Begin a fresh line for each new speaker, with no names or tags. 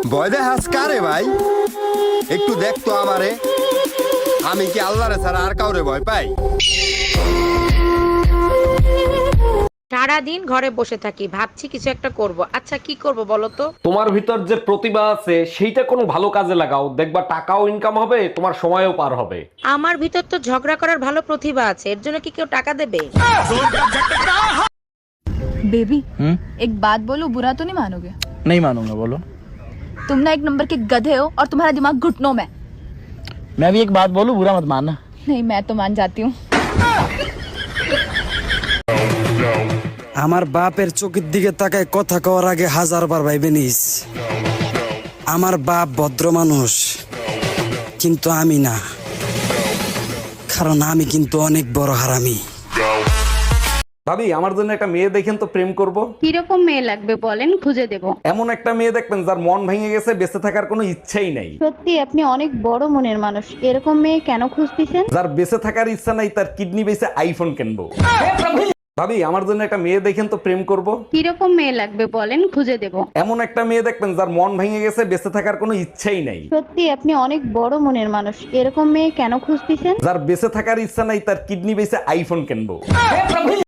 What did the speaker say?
ভয় দেখাস কারে ভাই? একটু দেখ তো আমারে, আমি কি আল্লাহরে ছাড়া আর কাউরে ভয় পাই?
সারাদিন ঘরে বসে থাকি, ভাবছি কিছু একটা করব। আচ্ছা কি করব বলো তো?
তোমার ভিতর যে প্রতিভা আছে সেইটা কোনো ভালো কাজে লাগাও, দেখবা টাকাও ইনকাম হবে, তোমার সময়ও পার হবে।
আমার ভিতর তো ঝগড়া করার ভালো প্রতিভা আছে, এর জন্য কি কেউ টাকা দেবে?
बेबी एक बात बोलूं, बुरा तो नहीं मानोगे?
नहीं मानूंगा, बोलो।
तुम ना एक नंबर के गधे हो और तुम्हारा दिमाग घुटनों में।
मैं भी एक बात बोलूं, बुरा मत मानना।
नहीं, मैं तो मान जाती हूँ।
আমার বাপের চোখের দিকে তাকায় কথা কওয়ার আগে হাজারবার ভাইবে নিস। আমার বাপ ভদ্র মানুষ, কিন্তু আমি না, কারণ আমি কিন্তু অনেক বড় হারামি।
ভাবি, আমার জন্য একটা মেয়ে দেখেন তো, প্রেম করব।
কিরকম মেয়ে লাগবে বলেন, খুঁজে দেব।
এমন একটা মেয়ে দেখবেন যার মন ভেঙে গেছে, বেঁচে থাকার কোনো ইচ্ছাই নাই।
সত্যি আপনি অনেক বড় মনের মানুষ, এরকম মেয়ে কেন খুঁজতেছেন?
যার বেঁচে থাকার ইচ্ছা নাই, তার কিডনি বেঁচে আইফোন কিনবো। ভাবি, আমার জন্য একটা মেয়ে দেখেন তো, প্রেম করব।
কিরকম মেয়ে লাগবে বলেন, খুঁজে দেব।
এমন একটা মেয়ে দেখবেন যার মন ভেঙে গেছে, বেঁচে থাকার কোনো ইচ্ছাই নাই।
সত্যি আপনি অনেক বড় মনের মানুষ, এরকম মেয়ে কেন খুঁজতেছেন?
যার বেঁচে থাকার ইচ্ছা নাই, তার কিডনি বেঁচে আইফোন কিনবো।